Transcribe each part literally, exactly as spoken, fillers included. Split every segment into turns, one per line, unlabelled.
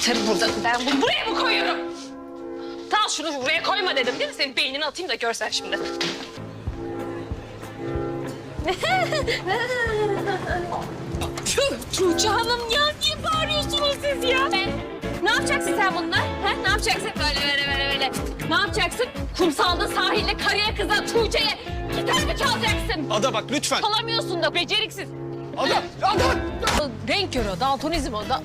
Anahtarı burada. Ben bunu buraya mı koyuyorum? Tamam şunu buraya koyma dedim değil mi? Senin beynini atayım da görsen şimdi. Tuğçe Hanım ya niye bağırıyorsunuz siz ya? Ben, ne yapacaksın sen bununla? Ha? Ne yapacaksın? Böyle böyle böyle böyle. Ne yapacaksın? Kumsalda sahilde karıya kıza Tuğçe'ye gitar mı çalacaksın?
Ada bak lütfen.
Çalamıyorsun da beceriksiz.
Ada, Ada.
Renk körü o, daltonizm o da.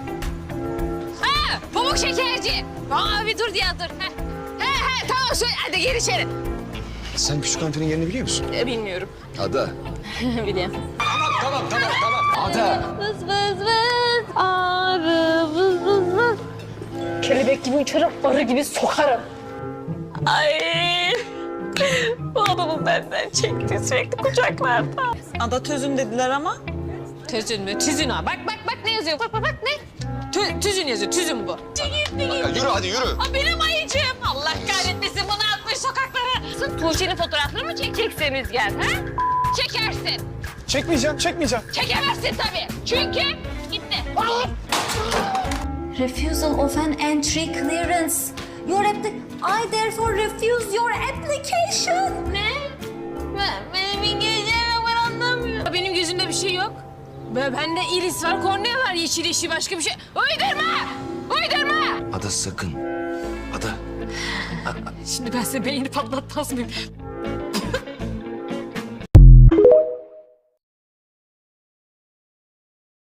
Ha, pamuk şekerci. Aa bir dur ya dur. He, he, he tamam söyle hadi gir içeri.
Sen küçük hanımefendinin yerini biliyor musun?
E, bilmiyorum.
Ada.
Biliyorum.
Tamam, tamam, tamam, tamam. Ada.
Vız vız vız, arı vız vız vız. Kelebek gibi uçarım, arı gibi sokarım. Ay, bu adamın benden çektiği sürekli kucaklarda.
Ada tözün dediler ama.
Tüzün mü? Tüzün ha. Bak bak bak ne yazıyor? Bak bak bak ne? Tü, tüzün yazıyor, tüzün bu. Tüzün,
Ya yürü hadi yürü.
Aa, benim ayıcığım. Allah kahretmesin bunu atmış sokaklara. Sırf Tuğçe'nin fotoğraflarını mı çekeceksiniz gel ha? Çekersin.
Çekmeyeceğim, çekmeyeceğim.
Çekemezsin tabii. Çünkü gitti.
Refusal of an entry clearance. Your appli- I therefore refuse your application.
Ne? Ben, benim İngilizcem ben anlamıyorum. Benim gözümde bir şey yok. Ben, bende iris var, kornea var, yeşil yeşil başka bir şey. Uydurma! Uydurma!
Ada sakın. Ada.
Şimdi ben size beynini patlatmaz mıyım?